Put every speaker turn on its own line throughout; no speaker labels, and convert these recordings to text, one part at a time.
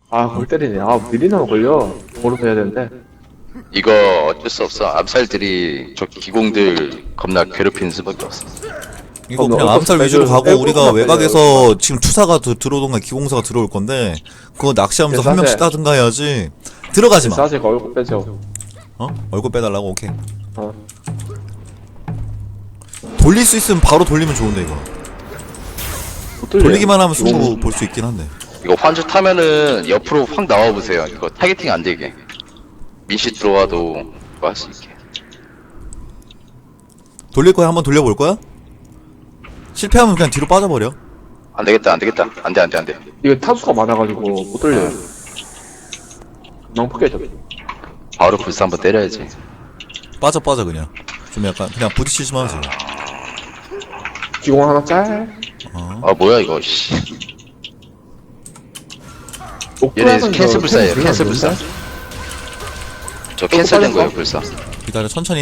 아, 골 때리네. 아, 미리나면 걸려. 걸어서 해야 되는데.
이거 어쩔 수 없어. 암살들이 저 기공들 겁나 괴롭히는 수밖에 없어.
이거
뭐
그냥 암살
어쩔
위주로
수 없어.
가고 우리가
빼고
외곽에서 지금 투사가 들어오던가 기공사가 들어올 건데 그거 낚시하면서 한 명씩 따든가 해야지. 들어가지 마.
사실 얼굴 빼죠.
어? 얼굴 빼달라고? 오케이.
어.
돌릴 수 있으면 바로 돌리면 좋은데 이거.
못 돌려요.
돌리기만 하면 승부
이건
볼 수 있긴 한데.
이거 환주 타면은 옆으로 확 나와보세요. 이거 타겟팅 안 되게. 민씨 들어와도 그거 할 수 있게.
돌릴 거야? 한번 돌려볼 거야? 실패하면 그냥 뒤로 빠져버려.
안 되겠다, 안 되겠다. 안 돼, 안 돼, 안 돼.
이거 타수가 많아가지고 못 돌려요. 너무 크게 져.
바로 불사 한번 때려야지.
빠져 그냥. 좀 약간 그냥 부딪히지만 하지.
기공 하나 짤.
아, 뭐야, 이거, 씨. 얘네
오크라는
캔슬 불사예요,
캔슬
캔슬 불사. 저 캔슬된 거예요, 불사.
기다려. 천천히 해.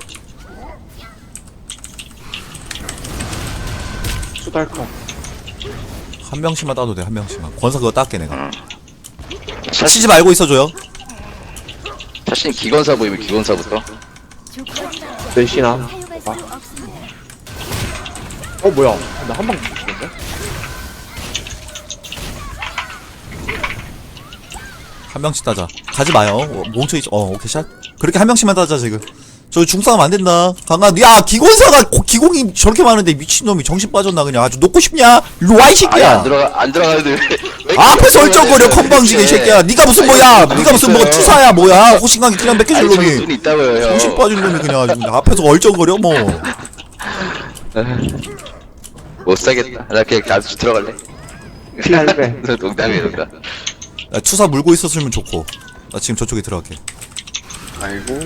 수달카.
한 명씩만 따도 돼. 한 명씩만. 권사 그거 땄게 내가.
차,
치지 말고 있어줘요.
자신 기건사 보이면 기건사부터.
넷이나. 어, 뭐야. 나 한 방 죽었네?
한 명씩 따자. 가지 마요. 뭉쳐있어. 오케이 샷. 그렇게 한 명씩만 따자 지금. 저 중싸움 안 된다. 강한. 야 기공사가 기공이 저렇게 많은데 미친놈이 정신 빠졌나 그냥. 아주 놓고 싶냐? 일로 와 이
아예
새끼야.
안 들어가는데 왜
앞에서 얼쩡거려 건방지게 이 새끼야. 니가 무슨 뭐야? 니가 무슨 뭐 투사야 뭐야? 호신강이 그냥 몇 개 줄
아니, 저기
놈이.
눈이 있다고요, 형.
정신 빠진 놈이 그냥 아주 앞에서 얼쩡거려 뭐.
못 사겠다. 나 그냥 나도 들어갈래.
피할배.
농담이에요, 농담.
나 투사 물고 있었으면 좋고. 나 지금 저쪽에 들어갈게.
아이고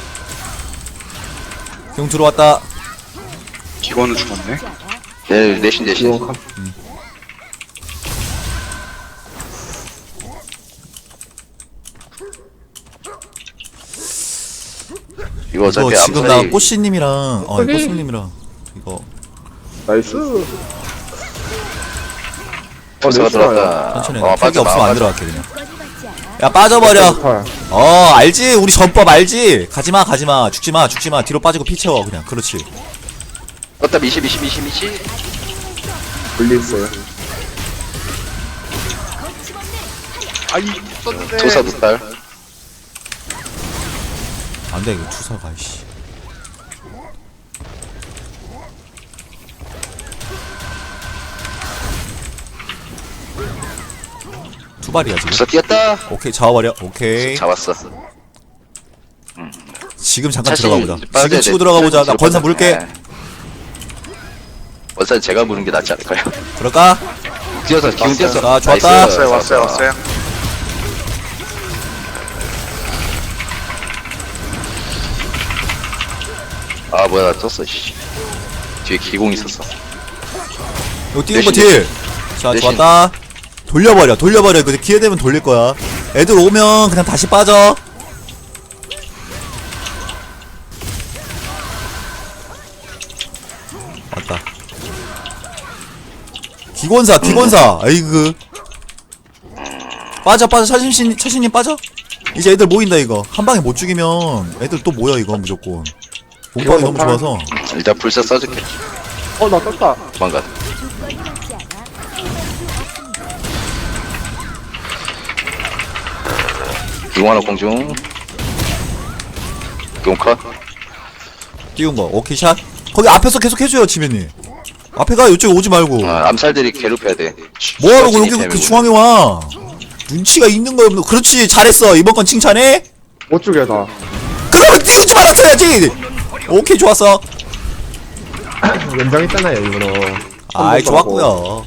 형 들어왔다.
기관은 죽었네.
네, 내신.
기공 카.
이거 어차피
이거 지금 나
암살이
꽃씨님이랑
저기.
꽃씨님이랑 이거
나이스.
불사가
넷이나요.
들어왔다.
천천히 해. 팩이
빠져,
없으면 안
빠져.
들어갈게 그냥. 야 빠져버려.
털.
알지? 우리 전법 알지? 가지마 죽지마 뒤로 빠지고 피 채워 그냥. 그렇지.
떴다, 미시.
분리 있어요.
아이 썼는데.
투사 두달.
안돼 이거 투사가 이씨. 투발이야 지금.
불사 뛰었다.
오케이 잡아버려. 오케이
잡았어.
지금 잠깐
자신이
들어가 보자.
빠져야
지금
돼.
치고 들어가 보자. 나
뒤로
권사
빠져.
물게.
네. 권사 제가 무는 게 낫지 않을까요?
들어가.
뛰어서 기운 뛰었어.
아, 좋았다.
나이스.
왔어요.
아, 뭐야, 나 떴어, 씨. 뒤에 기공 있었어.
이거 띄운 거
대신,
딜. 자
대신.
좋았다. 돌려버려. 근데 기회 되면 돌릴 거야. 애들 오면 그냥 다시 빠져. 맞다. 기권사. 아이고. 빠져. 차신님 빠져. 이제 애들 모인다 이거. 한 방에 못 죽이면 애들 또 모여 이거 무조건. 몸빵이 너무 좋아서.
일단 불사 써줄게.
나 떴다.
도망가. 기공 하나 공중. 기공 컷.
띄운 거. 오케이 샷. 거기 앞에서 계속 해줘요 지면님. 앞에 가. 이쪽에 오지 말고.
암살들이 괴롭혀야 돼.
뭐하러 여기
재밌고.
그 중앙에 와. 눈치가 있는 거야 없는 거. 그렇지 잘했어. 이번 건 칭찬해.
못 죽여, 나.
그러면 띄우지 말았어야지. 오케이 좋았어.
연장 있잖아요, 일부러.
아이 좋았고요.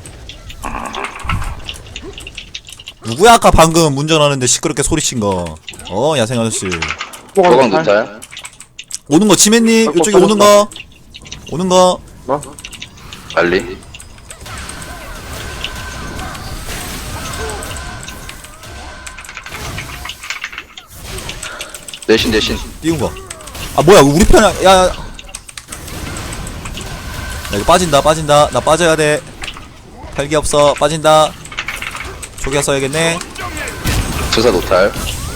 누구야 아까 방금 운전하는데 시끄럽게 소리친 거. 야생 아저씨.
소강 도탈.
오는 거 지맨님 이쪽에 오는 거.
나?
빨리. 대신.
띄운 거. 아 뭐야 우리 편이야. 야. 야 이거 빠진다. 나 빠져야 돼. 팔기 없어. 빠진다. 초기화 써야겠네.
조사 노탈.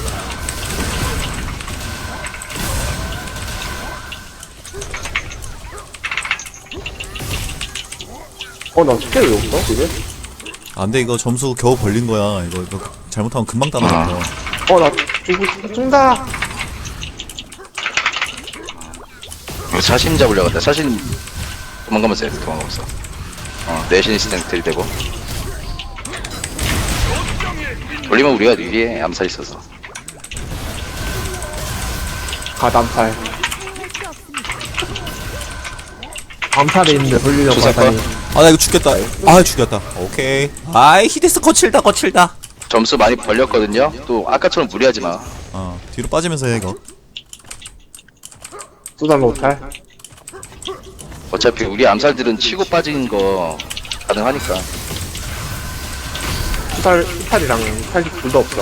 나 스킬 왜 없어, 그게?
안돼 이거 점수 겨우 벌린 거야. 이거 잘못하면 금방 따라잡혀.
나 죽는다.
이거 사신 잡으려고 했다. 사신 도망가면서 해. 도망가면서. 내신 시스템 들이대고. 돌리면 우리가 유리해. 암살 있어서.
가담살. 암살에 있는데 돌리려고
조사권?
하다니.
아 나 이거 죽겠다. 아 죽였다. 오케이. 아이 히데스 거칠다.
점수 많이 벌렸거든요. 또 아까처럼 무리하지 마.
뒤로 빠지면서 해 이거.
수단 못할.
어차피 우리 암살들은 치고 빠진 거 가능하니까.
수탈이랑 탈기 둘도 없어.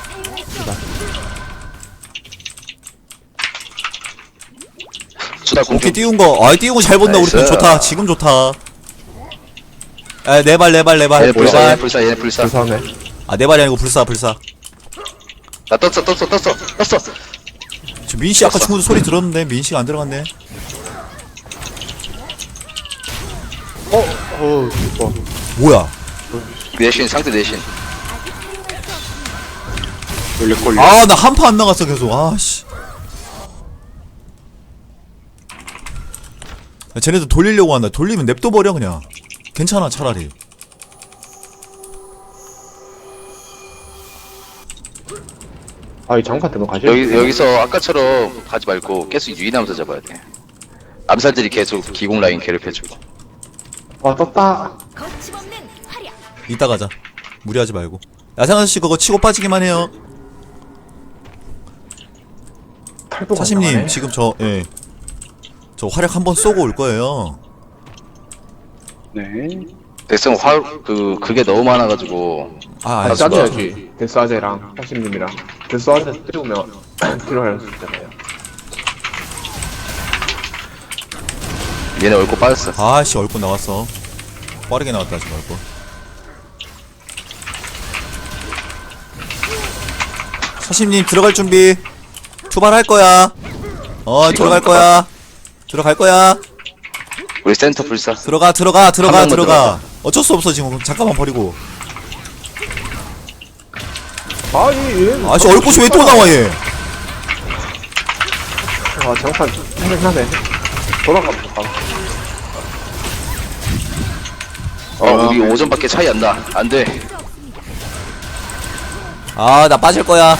수다 공중.
오케이 띄운 거. 아 띄운 거 잘 본다. 우리 편
나이스.
좋다. 지금 좋다. 네 발.
얘네 불사. 얘네 불사.
부산에.
아 네 발이 아니고 불사.
나 떴어.
저 민씨 아까 중국도 소리 들었는데 민씨가 안 들어갔네.
좋아.
뭐야?
내신 상대 내신.
걸려.
아 나 한 파 안 나갔어 계속. 아씨. 쟤네도 돌리려고 한다. 돌리면 냅둬 버려 그냥. 괜찮아 차라리.
이 장판 때문에 가시.
여기서 아까처럼 가지 말고 계속 유인하면서 잡아야 돼. 암살들이 계속 기공 라인 괴롭혀주고.
떴다.
거침없는 활약.
이따 가자. 무리하지 말고. 야상아저씨 그거 치고 빠지기만 해요.
탈도
사심님 지금 저 저 활약 한번 쏘고 올 거예요.
네.
백성 그게 너무 많아가지고.
아
짜줘야지. 데스아제랑 사심님이랑. 데스아제 띄우면 필요할 수 있잖아요.
얘네 얼굴 빠졌어.
아씨 얼굴 나왔어. 빠르게 나왔다 지금 얼굴. 사심님 들어갈 준비. 출발할 거야. 들어갈 거야.
우리 센터 불사.
들어가.
한 명만 들어가.
어쩔 수 없어 지금. 잠깐만 버리고. 아씨 얼굴이 왜 또 나와 얘.
장판 생각나네. 돌아가볼까?
우리 5점밖에 차이 안 나. 안 돼.
아 나 빠질 거야.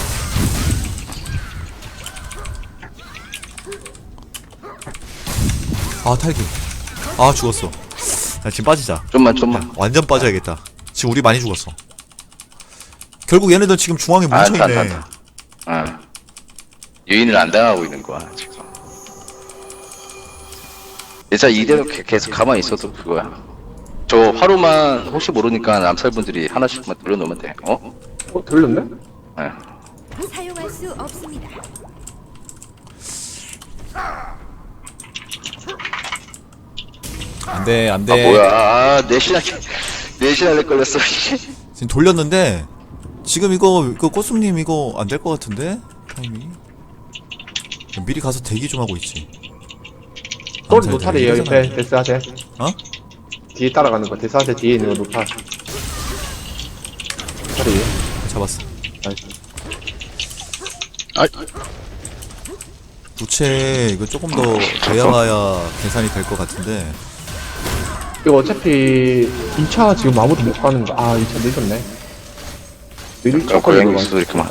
아 탈기. 아 죽었어. 야, 지금 빠지자.
좀만.
완전 빠져야겠다. 지금 우리 많이 죽었어. 결국 얘네들 지금 중앙에 뭉쳐있네.
유인을 안 당하고 있는 거야, 지금. 진짜 이대로 계속 가만히 있어도 그거야. 저 화로만 혹시 모르니까 암살분들이 하나씩만 돌려놓으면 돼.
들렸네?
사용할 수 없습니다.
안돼.
뭐야. 내신할래 걸렸어.
지금 돌렸는데 지금 이거 꼬숩님 이거 안 될 것 같은데 타이밍이. 미리 가서 대기 좀 하고 있지.
또
암살
노탈이에요
되게
옆에 데스아제. 뒤에 따라가는 거. 데스아제 뒤에 있는 거 노탈. 노탈이에요.
잡았어.
나이스.
부채 이거 조금 더 돼야봐야 계산이 될 것 같은데.
이거 어차피 2차 지금 아무도 못 가는 거. 2차 늦었네. 느릴 척
고양이
걸리고
수도 있구만.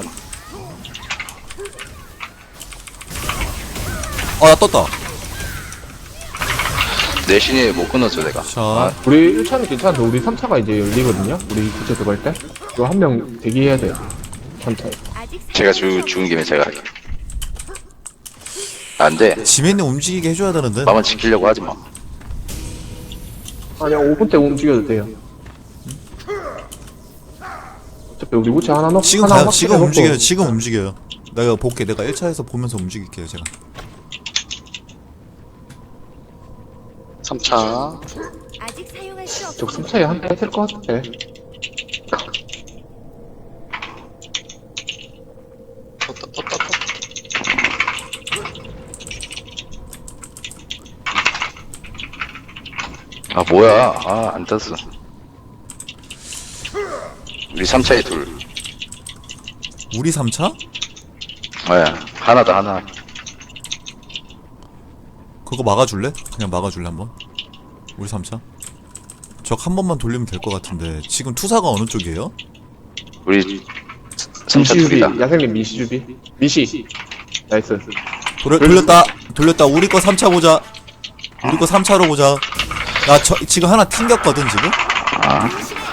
나 떴다.
내신이 못 끊었죠, 내가.
자,
우리 1차는 괜찮은데 우리 3차가 이제 열리거든요? 우리 구체 들어갈 때? 이거 한 명 대기해야 돼요. 3차에.
아직
제가 죽은 김에 제가 할게. 안 돼.
지맨님 움직이게 해줘야 되는데.
나만 지키려고 하지 마.
아니야, 5분 때 움직여도 돼요. 어차피 우리 구체 하나 넣고
지금
하나
가요.
확실히
지금
넣고.
움직여요. 지금 움직여요. 내가 볼게. 내가 1차에서 보면서 움직일게요, 제가.
3차.
아직 사용할 수 없.
저 3차에 한 대 했을 것 같아.
아 뭐야? 아 안 떴어. 우리 3차에 둘.
우리 3차?
네, 하나다 하나.
그거 막아줄래? 그냥 막아줄래 한번? 우리 3차? 적 한 번만 돌리면 될 것 같은데 지금 투사가 어느 쪽이에요?
우리 3차
민시주비
둘이다.
야생님 민시주비 민시 나이스.
돌렸다 우리 거 3차 보자. 우리 거 3차로 보자. 나 지금 하나 튕겼거든 지금?
아,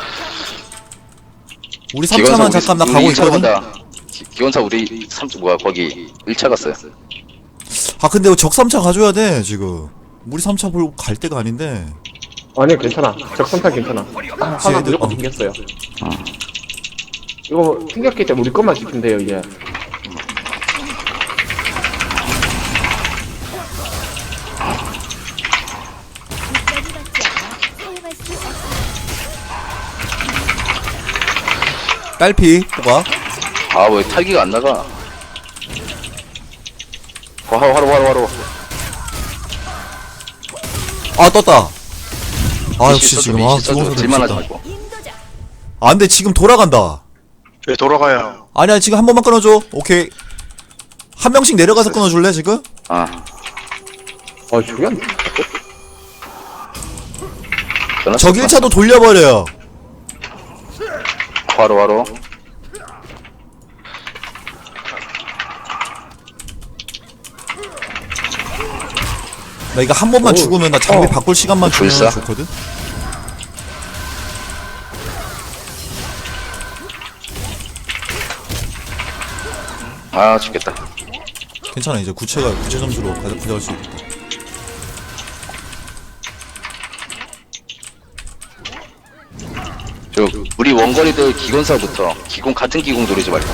우리 3차만 잠깐 나 가고 있거든?
기원사 우리 3차 뭐야 거기 1차 갔어요.
아 근데 적 3차 가줘야 돼 지금. 우리 3차 보고 갈 때가 아닌데.
아니 괜찮아. 적선탄 괜찮아. 하나
쟤들,
무조건 튕겼어요. 이거 튕겼기 때문에 우리 것만 지키면 돼요 이제.
국가를 받지 않아 사용할 수 없습니다.
딸피 뽑아.
아 왜 탈기가 안 나가? 화로.
아 떴다. 아 역시
써도
지금
미시 써도
기본소리
질만하지
미쳤다.
말고.
인도자
아 근데 지금 돌아간다.
왜 돌아가요?
아니야 지금 한 번만 끊어줘. 오케이. 한 명씩 내려가서 끊어줄래 지금?
아
저기 안
적 1차도 돌려버려요.
화로.
나 이거 한 번만
오.
죽으면 나 장비 바꿀 시간만 주면
불사?
좋거든?
아 죽겠다.
괜찮아 이제 구체 점수로 가져갈 수 있겠다.
저 우리 원거리들 기gon사부터 기공 같은 기공 노리지 말고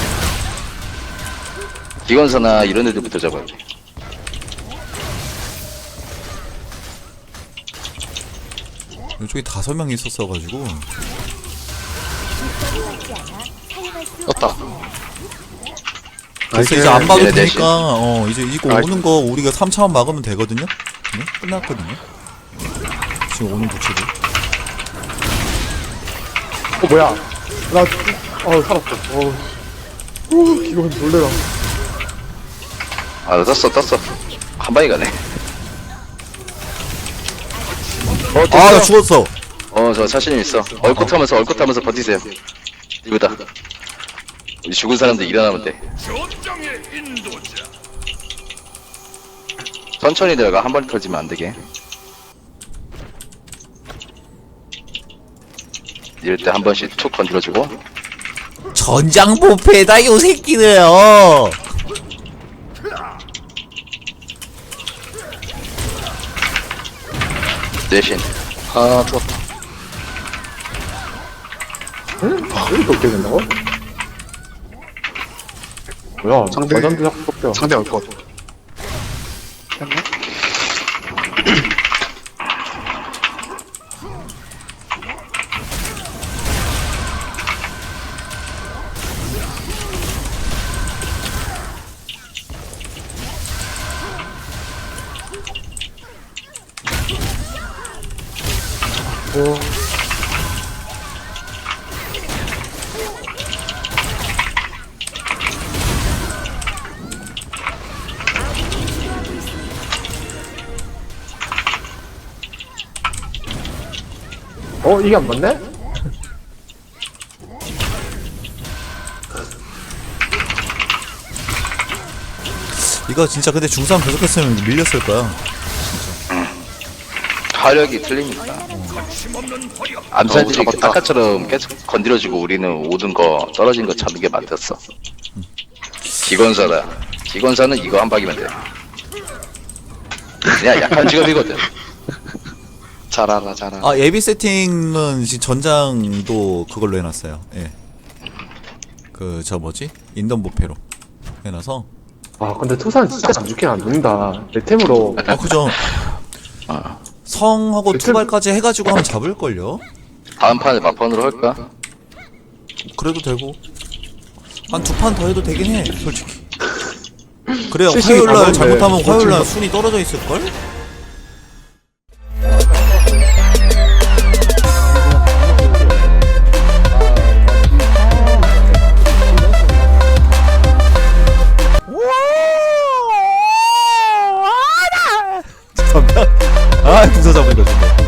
기gon사나 이런 애들부터 잡아야 돼.
이쪽에 5명이 있었어가지고
국가를 받지 않아 사용할 수
떴다.
없습니다.
그래서 이제 안 봐도
얘네 넷이.
되니까 이제 이거
아,
오는 거 우리가 3차만 막으면 되거든요? 네? 끝났거든요? 지금 오는 구체들
뭐야? 나 살았어. 이건 놀래라.
아 떴어. 한 방에 가네.
아 나 죽었어.
저 자신 있어. 얼컷하면서 버티세요. 이거다. 우리 죽은 사람들 일어나면 돼. 천천히 들어가. 한 번에 터지면 안 되게. 이럴 때 한 번씩 툭 건드려주고.
전장보패다 요 새끼들
대신
아 죽었다.
왜 이렇게 어떻게 된다고? 뭐야?
상대-
과전도 자꾸 뽑혀.
상대 올 것.
이게 안 맞네?
이거 진짜 근데 중싸움 계속했으면 밀렸을 거야.
화력이 틀리니까. 암살들이
잡았다.
아까처럼 계속 건드려주고 우리는 오든 거 떨어진 거 잡는 게 맞았어. 기건사다. 기건사는 이거 한 방이면 돼. 그냥 약한 직업이거든.
잘 알아.
아 예비 세팅은 지금 전장도 그걸로 해놨어요. 예. 그 저 뭐지? 인던보패로 해놔서.
근데 투사는 진짜 안 죽긴 안 죽는다. 내 템으로.
아 그죠.
어.
성하고 투발까지 해가지고 하면 잡을걸요?
다음 판에 막판으로 할까?
그래도 되고 한 2판 더 해도 되긴 해 솔직히. 그래야
실식이
화요일날
가던데.
잘못하면 화요일날
어쩌면-
순위 떨어져 있을걸? 아, 궁서 잡으니까 좋네.